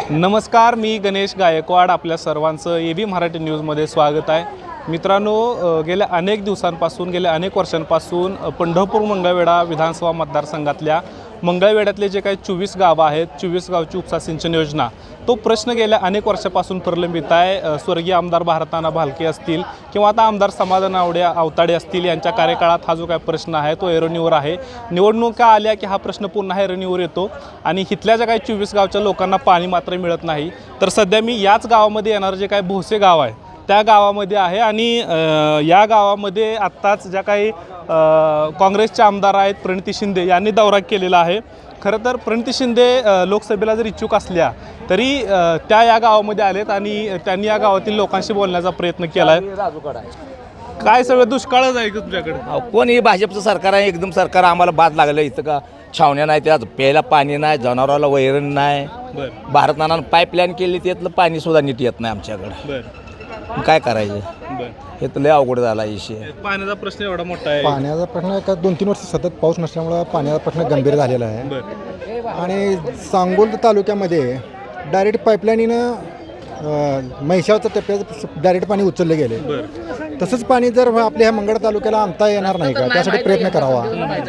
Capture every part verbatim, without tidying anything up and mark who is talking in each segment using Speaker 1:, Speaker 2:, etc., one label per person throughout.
Speaker 1: नमस्कार, मी गणेश गायकवाड. आपल्या सर्वांचं ए बी मराठी न्यूजमध्ये स्वागत आहे. मित्रांनो, गेल्या अनेक दिवसांपासून गेल्या अनेक वर्षांपासून पंढरपूर मंगळवेढा विधानसभा मतदारसंघातल्या मंगळवेढ्यातले जे काही चोवीस गावं आहेत, चोवीस गावची उपसा सिंचन योजना, तो प्रश्न गेल्या अनेक वर्षापासून प्रलंबित आहे. स्वर्गीय आमदार भारताना भालके असतील किंवा आता आमदार समाधान आवडे अवताडे असतील, यांच्या कार्यकाळात हा जो काही प्रश्न आहे तो ऐरणीवर आहे. निवडणुका आल्या की हा प्रश्न पुन्हा ऐरणीवर येतो आणि इथल्या ज्या काही चोवीस गावच्या लोकांना पाणी मात्र मिळत नाही. तर सध्या मी याच गावामध्ये येणारं जे काही भोसे गाव आहे त्या गावामध्ये आहे आणि या गावामध्ये आत्ताच ज्या काही काँग्रेसचे आमदार आहेत प्रणिती शिंदे यांनी दौरा केलेला आहे. खरं तर प्रणिती शिंदे लोकसभेला जर इच्छुक असल्या तरी त्या या गावामध्ये आलेत आणि त्यांनी या गावातील लोकांशी बोलण्याचा प्रयत्न केला आहे. काय सगळं दुष्काळच आहे का तुमच्याकडे?
Speaker 2: कोण हे भाजपचं सरकार आहे, एकदम सरकार आम्हाला बाद लागलं. इथं का छावण्या नाही, त्यात प्यायला पाणी नाही, जनावराला वैरण नाही. भारतानं पाईपलाईन केली, त्यातलं पाणी सुद्धा नीट येत नाही आमच्याकडे. काय करायचं? हे तर लय अवघड झाला विषय.
Speaker 1: पाण्याचा प्रश्न एवढा मोठा आहे.
Speaker 3: पाण्याचा प्रश्न का दोन तीन वर्ष सतत पाऊस नसल्यामुळं पाण्याचा प्रश्न गंभीर झालेला आहे. आणि सांगोल तालुक्यामध्ये डायरेक्ट पाईपलाईनीनं म्हैसावच्या टप्प्यात डायरेक्ट पाणी उचलले गेले. तसंच पाणी जर आपल्या ह्या मंगळ तालुक्याला आणता येणार नाही का, त्यासाठी प्रयत्न करावा.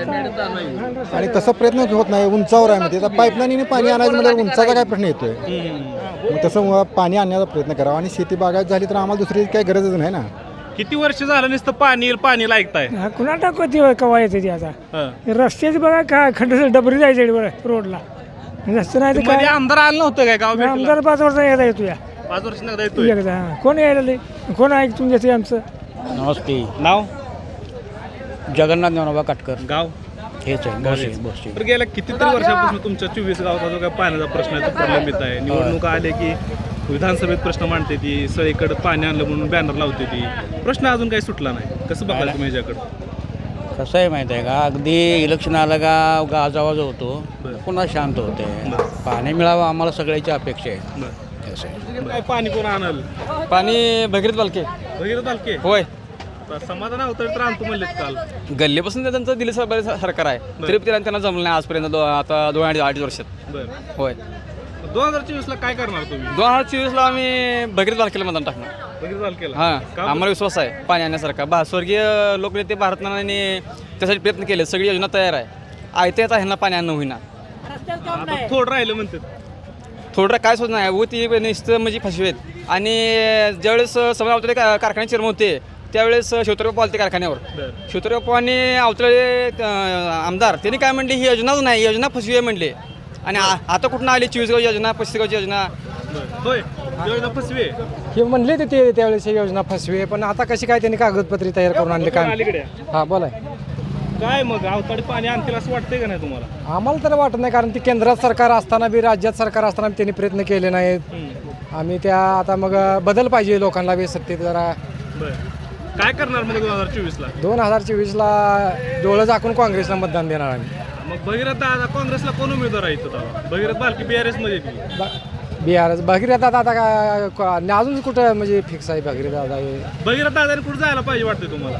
Speaker 3: आणि तसा प्रयत्न होत नाही, उंचावर आहे. म्हणजे पाईपलाईनीने पाणी आणायचं म्हणजे उंचाचा काय प्रश्न येतोय. मग तसं पाणी आणण्याचा प्रयत्न करावा. आणि शेती बागायत झाली तर आम्हाला दुसरी काही गरजच नाही ना.
Speaker 1: किती वर्ष झालं नुसतं पाणी पाणी ऐकताय?
Speaker 4: कुणा टाकती कवा येते ती आता. रस्त्याच बघा काय खड्ड डबरी जायचं रोडला रस्ते नाही.
Speaker 1: काय आमदार आलं नव्हतं काय गाव?
Speaker 4: आमदार पाच वर्ष यायला येतो या
Speaker 1: पाच वर्ष येतोय.
Speaker 4: कोण यायला कोण ऐकून घेते आमचं?
Speaker 2: नमस्ते.
Speaker 1: नाव
Speaker 2: जगन्नाथ ज्ञानोबा काटकर.
Speaker 1: गाव
Speaker 2: हेच आहे.
Speaker 1: तर गेल्या कितीतरी वर्षापासून तुमच्या चोवीस गावाचा जो काय पाण्याचा प्रश्न आहे तो प्रलंबित आहे. निवडणुका आले की विधानसभेत प्रश्न मांडते ती, सगळीकडे पाणी आणलं म्हणून बॅनर लावते ती. प्रश्न अजून काही सुटला नाही. कसं बघायला तुम्ही याच्याकडं?
Speaker 5: कसं आहे माहिती आहे का, अगदी इलेक्शन आलं का गाजावाज होतो, पुन्हा शांत होते. पाणी मिळावं आम्हाला सगळ्याची अपेक्षा आहे. कसं आहे,
Speaker 1: काय पाणी कोण आणल?
Speaker 5: पाणी भगीरथ बालके.
Speaker 1: भगीरथ बालके होय. समाधान अवतडे तर आणतो म्हणले काल.
Speaker 5: गल्लीपासून त्यांचं दिल्ली सरकार आहे, तरी त्यांना जमलं नाही आजपर्यंत. आता दोन अडीच अडीच वर्षात. होय.
Speaker 1: दोन हजार चोवीस ला काय करणार तुम्ही?
Speaker 5: दोन हजार चोवीस ला आम्ही भगीरथ बालकेला मतदान टाकणार.
Speaker 1: भगीरथ बालकेला?
Speaker 5: हां, आम्हाला विश्वास आहे पाणी आणण्यासारखा. बा स्वर्गीय लोकनेते भारतनाने त्यासाठी प्रयत्न केले, सगळी योजना तयार आहे. आयत्या येता ह्यांना पाणी आणणं होईना.
Speaker 1: थोडं राहिलं म्हणतात.
Speaker 5: थोडं काय सुद्धा नाही व ती नुसतं म्हणजे फसवेत. आणि ज्यावेळेस समजा अवतळे कारखाने चिरम होते त्यावेळेस शिवतरबापू आलते कारखान्यावर. शिवतरबापू आणि अवतळे आमदार त्यांनी काय म्हणले, ही योजनाच नाही, योजना फसवी आहे म्हणले. आणि आता कुठून आली चोवीस गाव योजना, पस्तीस गावची योजना?
Speaker 1: होय, योजना फसवी
Speaker 4: हे म्हणले ते त्यावेळेस योजना फसवी. पण आता कशी काय त्यांनी कागदपत्री तयार करून आणले काय? हा बोला.
Speaker 1: काय मग अवताडे पाणी आणतील असं वाटतंय का नाही तुम्हाला?
Speaker 4: आम्हाला तर वाटत नाही, कारण ती केंद्रात सरकार असताना बी राज्यात सरकार असताना त्यांनी प्रयत्न केले नाहीत. आम्ही त्या आता मग बदल पाहिजे लोकांना बी सत्तेत जरा.
Speaker 1: काय करणार मग दोन हजार चोवीस ला?
Speaker 4: दोन हजार चोवीस ला डोळं झाकून काँग्रेसला मतदान देणार आम्ही.
Speaker 1: मग भगीरथ दादा काँग्रेसला कोण उमेदवार आहे इथं? भगीरथ बालके बीआरएस मध्ये
Speaker 4: बिहार भगीरथ दादा आता काय अजून कुठं म्हणजे फिक्स आहे भगीरथ दादा?
Speaker 1: भगीरथ दादाने कुठं जायला पाहिजे वाटतं तुम्हाला?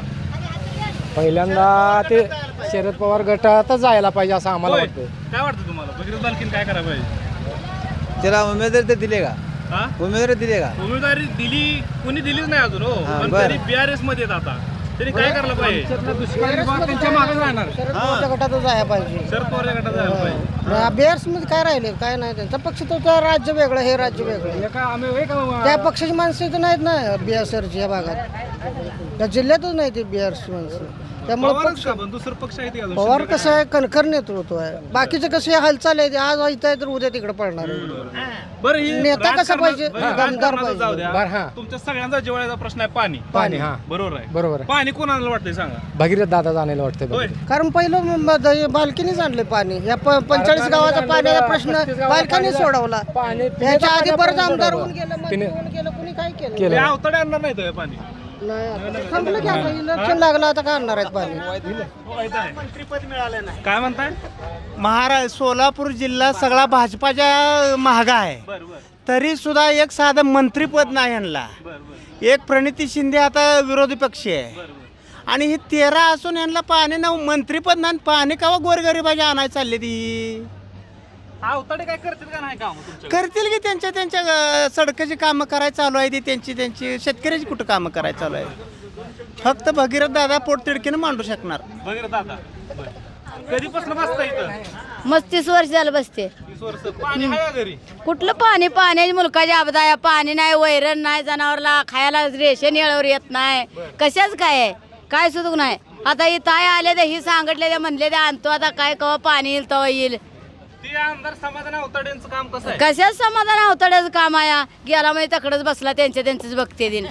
Speaker 4: पहिल्यांदा ते शरद पवार गटातच जायला पाहिजे असं आम्हाला वाटतं.
Speaker 1: काय वाटतं तुम्हाला भगीरथ बालकेने काय करायला पाहिजे?
Speaker 2: त्याला उमेदवारी तर दिले का?
Speaker 1: हा,
Speaker 2: उमेदवारी दिले का?
Speaker 1: उमेदवारी दिली, कुणी दिलीच नाही अजून. हो, पण तरी बीआरएस मध्ये येत आता तरी काय करायला पाहिजे?
Speaker 4: त्यांच्या मागे जाणार.
Speaker 6: शरद गटातच जायला पाहिजे.
Speaker 1: शरद पवार गटात जायला पाहिजे.
Speaker 6: बिहार मध्ये काय राहिले काय नाही. त्यांचा पक्ष तो त्या राज्य वेगळं, हे राज्य वेगळं. त्या पक्षाची माणसं इथं नाहीत ना बिहार सरची या भागात, त्या जिल्ह्यातच नाही ते बिहारची माणसं. त्यामुळे पक्ष
Speaker 1: दुसरं पक्ष आहे ते
Speaker 6: पवार कसं आहे, कणखर नेतृत्व आहे. बाकीचे कसे हालचाल आहे, आज इथं आहे तर उद्या तिकडे पडणार आहे.
Speaker 1: बरं, ही
Speaker 6: नेता कसा पाहिजे? दमदार
Speaker 1: राजकारणाचं जाऊ द्या.
Speaker 4: बरं,
Speaker 1: तुमच्या सगळ्यांचा जिव्हाळ्याचा प्रश्न आहे पाणी.
Speaker 4: पाणी. हा,
Speaker 1: बरोबर आहे.
Speaker 4: बरोबर आहे.
Speaker 1: पाणी कोणाला वाटतंय सांगा?
Speaker 4: भगीरथ दादा जाण्याला वाटतं.
Speaker 1: होय.
Speaker 6: कारण पहिलं बालकीनेच आणले पाणी. या पंचेचाळीस गावाचा पाण्याचा प्रश्न बालकाने सोडवला. त्याच्या आधी परत आमदार होऊन गेलं, मंत्री होऊन गेलं, कुणी काय केलं?
Speaker 1: ते अवतडे आणणार नाही तर पाणी.
Speaker 6: नाही, थांबलं की आता इलेक्शन लागलं, आता काय आणणार आहेत पाणी?
Speaker 1: मंत्रीपद मिळालं नाही काय म्हणताय?
Speaker 7: महाराष्ट्र सोलापूर जिल्हा सगळा भाजपाच्या महागा आहे, तरी सुद्धा एक साधं मंत्रीपद नाही आणला. एक प्रणिती शिंदे आता विरोधी पक्ष आहे आणि ही तेरा असून यांना पाणी ना मंत्रीपद नाही, पाणी कावा गोरगरिबाच्या आणायला चालली ती.
Speaker 1: अवताडे काय करतील का नाही काम तुमच्या
Speaker 7: करतील की त्यांच्या त्यांच्या अं, सडकाची कामं करायला चालू आहे ती त्यांची त्यांची शेतकऱ्याची कुठं कामं करायला चालू आहे फक्त भगीरथ दादा पोटतिडकीनं मांडू शकणार
Speaker 1: वगैरे दादा कधीपासून बसता इथं
Speaker 8: मस्त तीस वर्ष झालं बसते
Speaker 1: तीस वर्ष पाणी आहे का घरी
Speaker 8: कुठलं पाणी पाण्याची मुलकाची आपदा आहे पाणी नाही वैरण नाही जनावरला खायला रेशन येळवर येत नाही कशाच काय आहे काय सुद्धा नाही आता ही ताई आले तर ही सांगितले ते म्हणले ते आणतो आता काय कवा पाणी येईल तेव्हा येईल
Speaker 1: ते आमदार समाधान अवताडेंचं काम कसं आहे
Speaker 8: कशाच समाधान अवतड्याचं काम आहे गेला म्हणजे तकडच बसला त्यांच्या त्यांचेच बघते दिन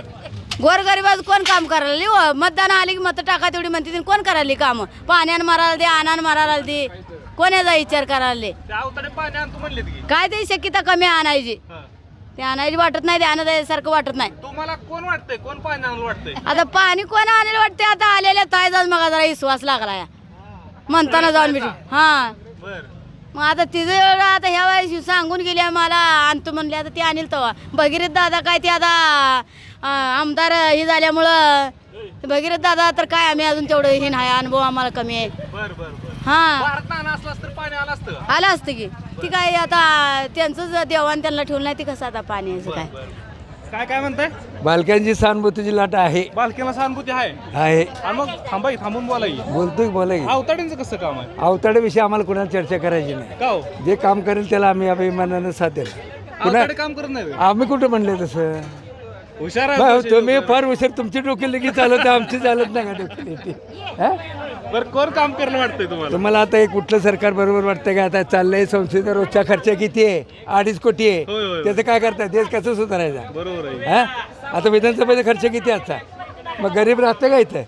Speaker 8: गोरगरिबाच कोण काम करायला हो मतदान आली की मत टाका तेवढी म्हणते दिन कोण करायली काम पाण्यानं मारायला दे आणान मारायला दे कोण याचा विचार करायला
Speaker 1: ते अवताडे पाणी आणतो म्हणलेत की
Speaker 8: काय ते शक्यता कमी आणायची
Speaker 1: हा.
Speaker 8: ते आणायची वाटत नाही ते आणायसारखं वाटत नाही
Speaker 1: तुम्हाला कोण वाटतंय कोण पाणी आणलं वाटतंय
Speaker 8: आता पाणी कोण आणेल वाटते आता आलेल्या ताय जाऊन मग जरा विश्वास लागला या म्हणताना जाऊन भेटू हा
Speaker 1: बर
Speaker 8: मग आता तिचं एवढं आता ह्या वेळेस सांगून गेली मला आणतो म्हणले आता ती आणील तेव्हा भगीरथ दादा काय ते आता अं, आमदार हे झाल्यामुळं भगीरथ दादा तर काय आम्ही अजून तेवढं हे नाही अनुभव आम्हाला कमी आहे
Speaker 1: बर बर बर
Speaker 8: हा
Speaker 1: भारत नाणं असलं तर पाणी आलं असतं का?
Speaker 8: आलं असतं की ती काय आता त्यांचंच देवान त्यांना ठेवलं नाही ती कसं आता पाण्याचं काय
Speaker 1: काय काय म्हणताय
Speaker 9: बालकांची सहानुभूतीची लाट आहे
Speaker 1: बालकीला सहानुभूती आहे
Speaker 9: आहे
Speaker 1: आणि मग थांबाई थांबून बोलाय
Speaker 9: बोलतोय बोला की
Speaker 1: अवताड्यांचं कसं काम आहे
Speaker 9: अवताड्याविषयी आम्हाला कुणाला चर्चा करायची नाही
Speaker 1: का हो
Speaker 9: जे काम करेल त्याला आम्ही अभिमानानं साथ देणार पुन्हा
Speaker 1: अवताडे काम करत नाही
Speaker 9: आम्ही कुठं म्हणले तसं
Speaker 1: हुशार
Speaker 9: बा,
Speaker 1: आहे
Speaker 9: तुम्ही फार हुशार तुमची डोकी लगेच चालत आमची चालत नाही का डोकी हा?
Speaker 1: बरं कोण काम करणं वाटतंय तुम्हाला
Speaker 9: तुम्हाला आता हे कुठलं सरकार बरोबर वाटतं का आता चाललंय संस्थेचा रोजचा खर्च किती आहे अडीच कोटी
Speaker 1: होय, होय,
Speaker 9: आहे
Speaker 1: होय.
Speaker 9: त्याचं काय करताय देश कसं सुधारायचा
Speaker 1: बरोबर आहे
Speaker 9: हा आता विधानसभेचा खर्च किती असता मग गरीब राहतं का इथं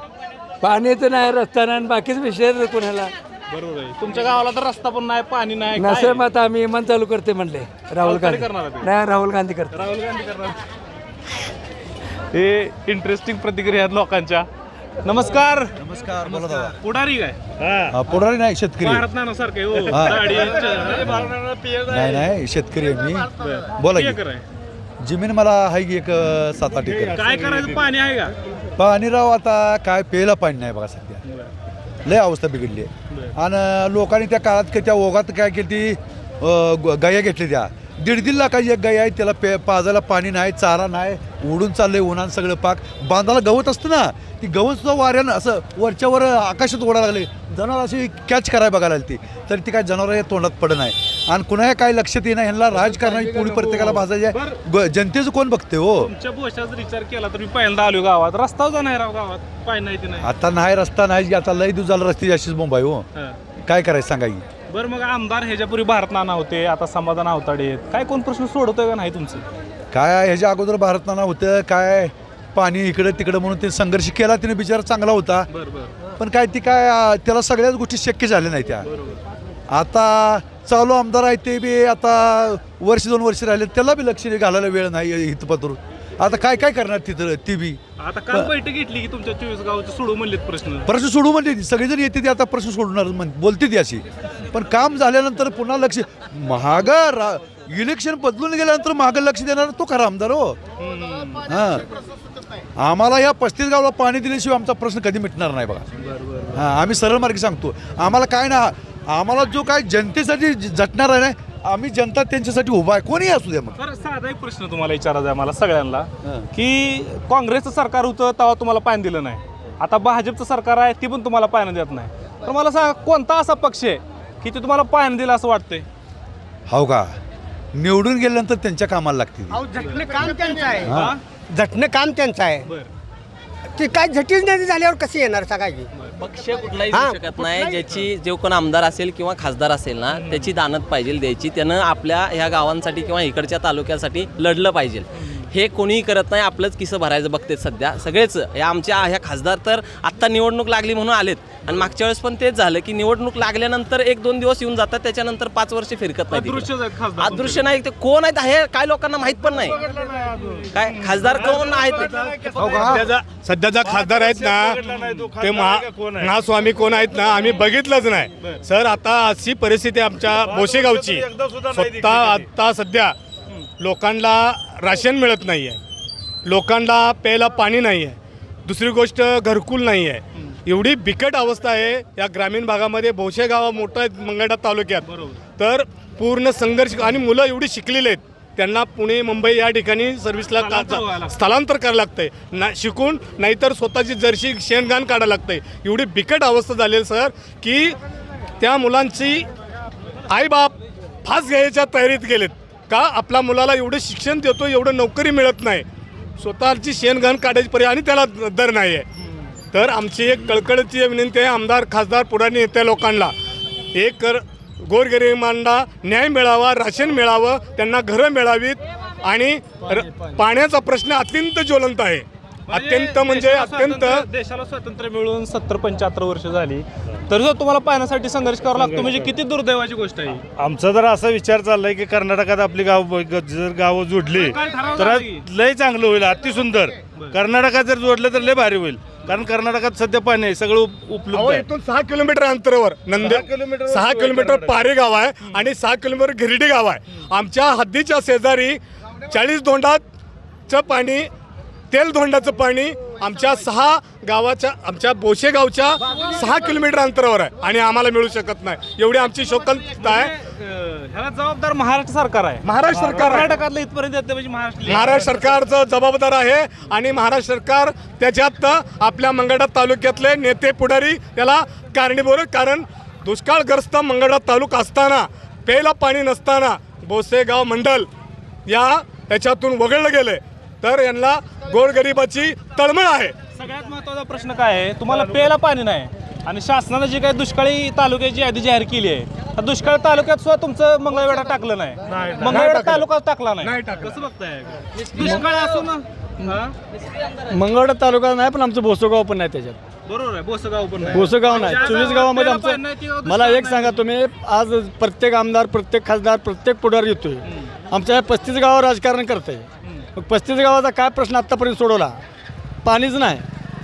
Speaker 9: पाण्याचं नाही रस्ता नाही आणि बाकीच विषय कोणाला
Speaker 1: बरोबर आहे तुमच्या गावाला तर रस्ता पण नाही पाणी नाही काय?
Speaker 9: नसेल मग आता आम्ही इमान चालू करते म्हणले राहुल
Speaker 1: अवताडे
Speaker 9: गांधी
Speaker 1: करणार आहे.
Speaker 9: नाही राहुल गांधी करते
Speaker 1: राहुल गांधी करणार हे इंटरेस्टिंग प्रतिक्रिया आहेत लोकांच्या नमस्कार
Speaker 3: नमस्कार बोला दादा
Speaker 1: पुढारी काय
Speaker 3: पुढारी नाही शेतकरी
Speaker 1: भारत नानासारखं आहे, हो.
Speaker 3: हा.
Speaker 1: दाढी,
Speaker 3: नाही नाही शेतकरी आहे मी बोला की.
Speaker 1: एकर आहे.
Speaker 3: जमीन मला आहे की एक अं, सात आठ एकर
Speaker 1: काय करायचं पाणी आहे का
Speaker 3: पाणी राव आता काय प्यायला पाणी नाही बघा सध्या लय अवस्था बिघडली आहे आणि लोकांनी त्या काळात का त्या ओघात काय केली ती अं, ग- गाया घेतली त्या दीड दीड लाखाची एक गाय आहे त्याला पे पाजायला पाणी नाही चारा नाही उडून चाललंय उन्हान सगळं पाक बांधाला गवत असतं ना ती गवत सुद्धा वाऱ्यानं असं वरच्यावर आकाशात ओढायला लागले जनावर अशी कॅच करायला बघायला लागली ती तर ती काय जनावर तोंडात पडत नाही आणि कुणाही काय लक्षात येणार ह्यांना राजकारणाची पोळी प्रत्येकाला भाजायची आहे. ग- जनतेचं कोण बघते हो
Speaker 1: तुमच्या भोशाचा विचार केला तर मी पहिल्यांदा आलो गावात रस्ता जा नाही राव गावात पाणी नाही ते नाही
Speaker 3: आता नाही रस्ता नाही आता लई दिवस झाला रस्त्याची अशीच मुंबई हो
Speaker 1: हा.
Speaker 3: काय करायचं सांगा की
Speaker 1: बरं मग आमदार ह्याच्यापूर्वी भारत नाना होते आता समाधान अवताडे आहेत काय कोण प्रश्न सोडवतोय का नाही तुमचं
Speaker 3: काय ह्याच्या अगोदर भारतनाना होतं काय पाणी इकडं तिकडं म्हणून ते संघर्ष केला तिने बिचारा चांगला होता
Speaker 1: बरं बरं
Speaker 3: पण काय ती काय अं, त्याला सगळ्याच गोष्टी शक्य झाल्या नाही त्या आता चालू आमदार आहे ते बी आता वर्ष दोन वर्ष राहिले त्याला बी लक्ष घालायला वेळ नाही हितपत्र आता काय काय करणार तिथं ती बी
Speaker 1: आता काल बैठक घेतली की तुमच्या चोवीस गावाचे सोडू म्हणलेत प्रश्न
Speaker 3: प्रश्न सोडू म्हणते ती सगळेजण येते ते आता प्रश्न सोडणार म्हण बोलते ती अशी पण काम झाल्यानंतर पुन्हा लक्ष महागा रा इलेक्शन बदलून गेल्यानंतर मागं लक्ष देणार तो खरा आमदार हो हां आम्हाला या पस्तीस गावाला पाणी दिल्याशिवाय आमचा प्रश्न कधी मिटणार नाही बघा हां आम्ही सरळ मार्गी सांगतो आम्हाला काय ना आम्हाला जो काय जनतेसाठी झटणार आहे ना आम्ही जनता त्यांच्यासाठी उभा आहे कोणी असू द्या मग
Speaker 1: तर साधा एक प्रश्न तुम्हाला विचारायचा आहे मला सगळ्यांना की काँग्रेसचं सरकार होतं तेव्हा तुम्हाला पाणी दिलं नाही आता भाजपचं सरकार आहे ती पण तुम्हाला पाणी देत नाही तर मला सांगा कोणता असा पक्ष आहे की ते तुम्हाला पाणी दिलं असं वाटतंय
Speaker 3: हो का निवडून गेल्यानंतर त्यांच्या कामाला लागतील
Speaker 7: झटणं काम त्यांचं आहे
Speaker 1: हा?
Speaker 7: झटणं काम त्यांचं आहे
Speaker 1: बरं
Speaker 7: ते काय झटीच नाही झाल्यावर कशी येणार सांगायची
Speaker 10: पक्ष कुठलाही देऊ शकत नाही ज्याची जो कोण आमदार असेल किंवा खासदार असेल ना त्याची दानत पाहिजे द्यायची त्यानं आपल्या ह्या गावांसाठी किंवा इकडच्या तालुक्यासाठी लढलं पाहिजे हे कोणीही करत नाही आपलंच किसं भरायचं बघतेत सध्या सगळेच या आमच्या ह्या खासदार तर आत्ता निवडणूक लागली म्हणून आलेत आणि मागच्या वेळेस पण तेच झालं की निवडणूक लागल्यानंतर एक दोन दिवस येऊन जातात त्याच्यानंतर पाच वर्ष फिरकत नाही
Speaker 1: अदृश्यच आहेत खासदार
Speaker 10: अदृश्य नाही ते कोण आहेत हे काय लोकांना माहित पण नाही काय खासदार कोण आहेत
Speaker 11: सध्याचा सध्याचा खासदार आहेत ना ते महास्वामी कोण आहेत ना आम्ही बघितलंच नाही सर आता अशी परिस्थिती आमच्या बोशेगावची स्वतः आता सध्या लोकांना राशन मिळत नाही आहे लोकांना प्यायला पाणी नाही आहे दुसरी गोष्ट घरकुल नाही आहे एवढी बिकट अवस्था आहे या ग्रामीण भागामध्ये. भोसे गाव मोठं आहे मंगळवेढा तालुक्यात, तर पूर्ण संघर्ष आणि मुलं एवढी शिकलेली आहेत, त्यांना पुणे मुंबई या ठिकाणी सर्व्हिसला का स्थलांतर करायला लागतंय ना, शिकून नाहीतर स्वतःची जर्शी शेणघाण काढायला लागतंय. एवढी बिकट अवस्था झाली आहे सर की त्या मुलांची आईबाप फास घ्यायच्या तयारीत गेलेत. का आपल्या मुलाला एवढं शिक्षण देतो, एवढं नोकरी मिळत नाही, स्वतःची शेणघाण काढायची पर्याय आणि त्याला दर नाही आहे. तर आमची एक कळकळीची विनंती आहे आमदार खासदार पुढारी नेत्या लोकांना, एक कर गोरगरिबांना न्याय मिळावा, राशन मिळावं, त्यांना घरं मिळावीत आणि र पाण्याचा प्रश्न अत्यंत ज्वलंत आहे. अत्यंत म्हणजे अत्यंत.
Speaker 1: देशाला स्वातंत्र्य मिळून सत्तर पंच्याहत्तर वर्ष झाली, तर जर तुम्हाला पाण्यासाठी संघर्ष करावा लागतो म्हणजे किती दुर्दैवाची गोष्ट आहे.
Speaker 12: आमचा जर असा विचार चाललाय की कर्नाटकात आपली गाव जर गावं जोडली तर लय चांगलं होईल, अतिसुंदर. कर्नाटकात जर जोडलं तर लय भारी होईल, कारण कर्नाटकात सध्या पाणी आहे, सगळं उप- उपलब्ध आहे.
Speaker 11: इथून सहा किलोमीटर अंतरावर नंदे सहा किलोमीटर पारे गाव आहे आणि सहा किलोमीटर गिरडी गाव आहे. आमच्या हद्दीच्या शेजारी चाळीस धोंडाचं पाणी, तेल धोंडाचं पाणी आमच्या सहा गावाच्या आमच्या बोशे गावच्या सहा किलोमीटर अंतरावर आहे आणि आम्हाला मिळू शकत नाही. एवढी आमची शोकंत आहे.
Speaker 1: ह्याला जबाबदार महाराष्ट्र सरकार आहे.
Speaker 11: महाराष्ट्र सरकार आहे.
Speaker 1: कर्नाटकातलं इथपर्यंत येते म्हणजे महाराष्ट्र
Speaker 11: महाराष्ट्र सरकारचं जबाबदार आहे आणि महाराष्ट्र सरकार त्याच्यात आपल्या मंगळवेढा तालुक्यातले नेते पुढारी त्याला कारणीभूत आहे. कारण दुष्काळग्रस्त मंगळवेढा तालुका असताना, प्यायला पाणी नसताना बोसेगाव मंडल या त्याच्यातून वगळलं गेले, तर यांना गोरगरिबाची तळमळ आहे.
Speaker 1: सगळ्यात महत्त्वाचा प्रश्न काय आहे, तुम्हाला प्यायला पाणी नाही आणि शासनानं जी काही दुष्काळी तालुक्याची यादी जाहीर केली आहे, त्या दुष्काळ तालुक्यात सुद्धा तुमचं मंगळवेढा टाकलं नाही, मंगळवेढा तालुका टाकला नाही. कसं बघताय दुष्काळ असो ना?
Speaker 4: मंगळवेढा तालुका नाही, पण आमचं भोसगाव पण नाही त्याच्यात.
Speaker 1: बरोबर आहे, बोसगाव पण नाही.
Speaker 4: भोसगाव नाही, चोवीस गावामध्ये आमचं. मला एक सांगा तुम्ही, आज प्रत्येक आमदार, प्रत्येक खासदार, प्रत्येक पुढारी येतोय, आमच्या पस्तीस गावावर राजकारण करतंय. मग पस्तीस गावाचा काय प्रश्न आत्तापर्यंत सोडवला? पाणीच नाही.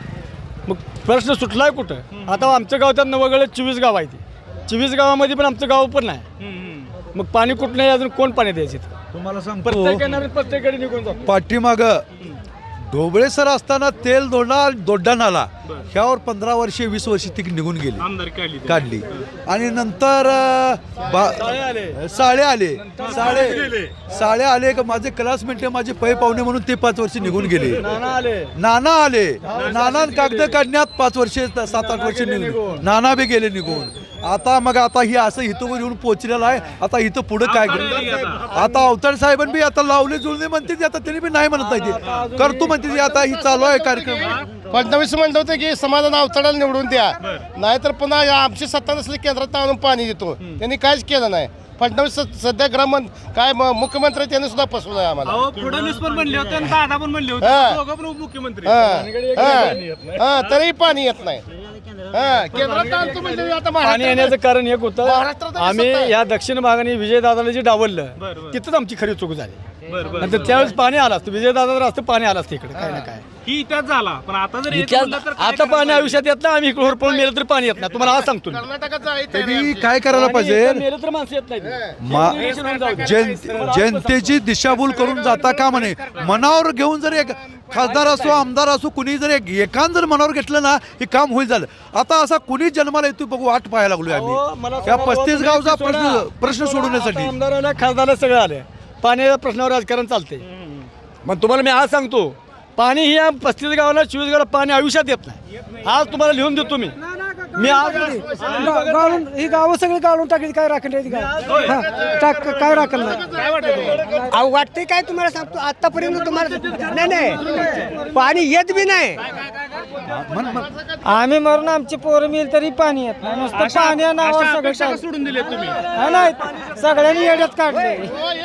Speaker 4: मग प्रश्न सुटलाय कुठं? आता आमचं गाव त्यात वगळले चोवीस गाव आहे, ती चोवीस गावामध्ये पण आमचं गाव पण नाही. मग पाणी कुठं नाही, अजून कोण पाणी द्यायचे?
Speaker 13: तुम्हाला सांगतो,
Speaker 4: प्रत्येक येणारे प्रत्येकडे निघून जातो.
Speaker 13: पाठीमाग ढोबळे सर असताना तेल दोडा दोड्डा नाला ह्यावर पंधरा वर्षे वीस वर्षे ती निघून गेली,
Speaker 1: आमदार काढली
Speaker 13: काढली. आणि नंतर अ, बा- साळे आले साळे साळे आले का माझे क्लासमेट माझे पै पाहुणे म्हणून ते पाच वर्ष निघून गेले. नाना आले, नाना कागद काढण्यात पाच वर्षे सात आठ वर्ष निघून नाना बी गेले निघून. आता मग आता ही असं इथं येऊन पोचलेलं आहे. आता इथं पुढं काय आता अवतार साहेबांनी बी आता लावले जुळले म्हणते, आता त्यांनी बी नाही म्हणत नाही, करतो म्हणते. आता ही चालू आहे कार्यक्रम.
Speaker 14: फडणवीस म्हणत होते की समाधान अवतडाला निवडून द्या, नाहीतर पुन्हा आमची सत्ता नसली केंद्रात आणून पाणी देतो. त्यांनी काहीच केलं नाही. फडणवीस सध्या ग्राम काय म- मुख्यमंत्री त्यांनी सुद्धा फसवलं आहे आम्हाला.
Speaker 1: फडणवीस पण म्हणले होते आणि दादा पण म्हणले होते,
Speaker 14: हा.
Speaker 1: दोघं पण उपमुख्यमंत्री.
Speaker 14: हा, हा, हा, तरीही पाणी येत नाही. हा, केंद्रात आणतो म्हणजे आता
Speaker 4: पाणी
Speaker 14: महाराष्ट्रात-
Speaker 4: येण्याचं कारण एक होतं,
Speaker 14: महाराष्ट्रात आणि
Speaker 4: आम्ही
Speaker 14: सत्ता आहे.
Speaker 4: या दक्षिण भागाने विजयदादाला जे डावललं
Speaker 1: बरं, बरं.
Speaker 4: तिथंच आमची खरी चूक झाली.
Speaker 1: बरं, बरं.
Speaker 4: नंतर त्यावेळेस पाणी आलं असतं, विजयदादा जर असतं पाणी आलं असतं इकडे काय ना काय.
Speaker 1: ही इतिहास झाला, पण आता जर येत
Speaker 4: इतिहास-
Speaker 1: म्हणलं तर काय
Speaker 4: आता
Speaker 1: करायला
Speaker 4: पाणी
Speaker 1: पाहिजे?
Speaker 4: आयुष्यात येत नाही. आम्ही इकडे होरपळून मेलं तर पाणी येत नाही, तुम्हाला आज सांगतो मी.
Speaker 14: कर्नाटकात जायचं
Speaker 13: त्यांनी काय करायला पाहिजे?
Speaker 4: मेलं तर माणसं येत नाही.
Speaker 13: मा- जन जनतेची दिशाभूल करून जाता का म्हणे, मनावर घेऊन जर एक खासदार असो आमदार असो कुणी जर एक एकान जर मनावर घेतलं ना हे काम होईल झालं. आता असा कुणी जन्माला येतो बघू वाट पाहायला लागलोय
Speaker 4: अहो,
Speaker 13: आम्ही
Speaker 4: मला
Speaker 13: या
Speaker 4: सांगा,
Speaker 13: पस्तीस
Speaker 4: बाबा,
Speaker 13: गावचा
Speaker 4: तुम्ही
Speaker 13: प्रश्न
Speaker 4: सोडा.
Speaker 13: प्रश्न सोडवण्यासाठी.
Speaker 4: आमदाराला खासदाराला सगळं आलं, पाण्याच्या प्रश्नावर राजकारण चालते. मग तुम्हाला मी आज सांगतो, पाणी ही या पस्तीस गावाला चोवीस गावाला पाणी आयुष्यात येत नाही. आज तुम्हाला लिहून देतो मी मी आज
Speaker 15: गाळून ही गावं सगळी गाळून टाकली, काय राखण टाक काय राखण नाही. अहो वाटते काय तुम्हाला सांगतो, आतापर्यंत तुम्हाला नाही नाही पाणी येत बी नाही. आम्ही मरून आमची पोरं मिळेल तरी पाणी येत नाही. नुसतं पाणी नावावर
Speaker 1: अशा
Speaker 15: सगळं
Speaker 1: अपेक्षा
Speaker 15: चालतं.
Speaker 1: सोडून दिले तुम्ही.
Speaker 15: हा, नाही सगळ्यांनी येड्यात काढले.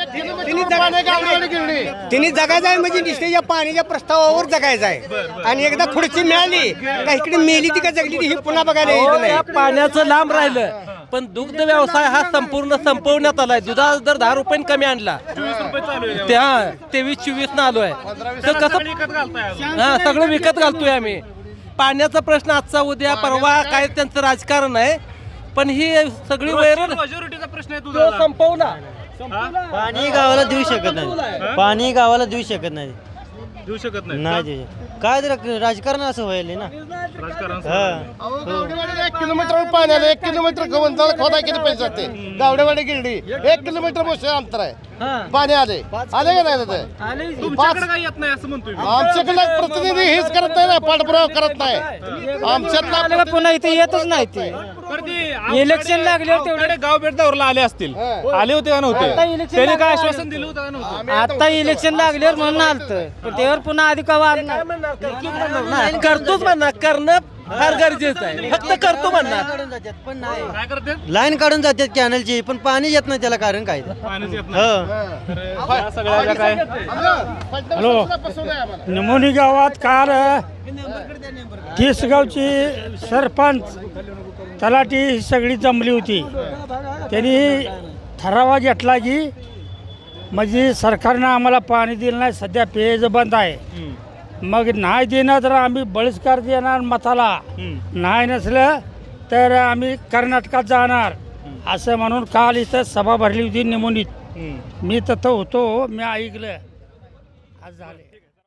Speaker 15: तिने जगायचं आहे म्हणजे नुसतं या पाण्याच्या प्रस्तावावर जगायचं आहे. आणि एकदा खुर्ची मिळाली का इकडे मेली ती का जगली ती ही पुन्हा बघायला यायचं नाही.
Speaker 10: पाण्याचं लांब राहिलं, पण दुग्ध व्यवसाय हा संपूर्ण संपवण्यात आलाय. दुधाचा दर दहा रुपये कमी आणला, त्या तेवीस चोवीस न आलोय. तर कसं
Speaker 1: विकत घालताय अजून.
Speaker 10: हा सगळं विकत घालतोय आम्ही. पाण्याचा प्रश्न आजचा उद्या परवा काय त्यांचं राजकारण आहे, पण ही सगळी वैरण
Speaker 1: मेजॉरिटीचा प्रश्न आहे तुझा.
Speaker 10: संपवला.
Speaker 15: पाणी गावाला देऊ शकत नाही, पाणी गावाला देऊ शकत नाही.
Speaker 1: देऊ शकत नाही
Speaker 7: नाही ते काय तर राजकारण असं व्हायला ना
Speaker 1: राजकारण
Speaker 14: अहो, गावडेवाडीला एक किलोमीटर पाणी आलं एक किलोमीटर गवंताला खोदाय किती पैसे जाते गावडेवाडी गिरडी एक किलोमीटर मोठे अंतर आहे पाणी आले आले का नाही तिथे
Speaker 1: तुमच्याकडे काय येत नाही असं म्हणतोय मी.
Speaker 14: आमच्याकडे प्रतिनिधी हेच करत नाही ना पाठपुरावा करत नाही आमच्यातला
Speaker 7: पुन्हा इथे येतच नाही ते
Speaker 1: बरं ते
Speaker 7: इलेक्शन लागल्यावर तेवढे
Speaker 1: आपल्याकडे गाव भेट दौरला आले असतील आले होते का
Speaker 7: आता
Speaker 1: नव्हते
Speaker 7: इलेक्शन
Speaker 1: त्यांनी काय
Speaker 7: लागल्यावर
Speaker 1: आश्वासन दिलं होतं का नव्हतं
Speaker 7: आता इलेक्शन लागल्यावर म्हणून आलतं पण त्यावर पुन्हा आधी कवा आलं नाही.
Speaker 10: करतोच म्हणणार करणं फार गरजेचं आहे फक्त करतो म्हणणार
Speaker 7: पण नाही
Speaker 1: काय करते
Speaker 7: लाईन काढून जातात कॅनलची पण पाणी येत नाही त्याला कारण काय
Speaker 1: पाणीच येत नाही. तर या सगळ्या ज्या काय
Speaker 14: हॅलो
Speaker 15: निमोनी गावात काल तीस गावची सरपंच तलाठी ही सगळी जमली होती. त्यांनी ठराव घेतला की म्हणजे सरकारनं आम्हाला पाणी दिलं नाही, सध्या पेयचं बंद आहे. मग नाही देणं तर आम्ही बहिष्कार देणार मताला, नाही नसलं तर आम्ही कर्नाटकात जाणार असं म्हणून काल इथं सभा भरली होती निमोनीत. मी तिथं होतो, मी ऐकलं आज झाले.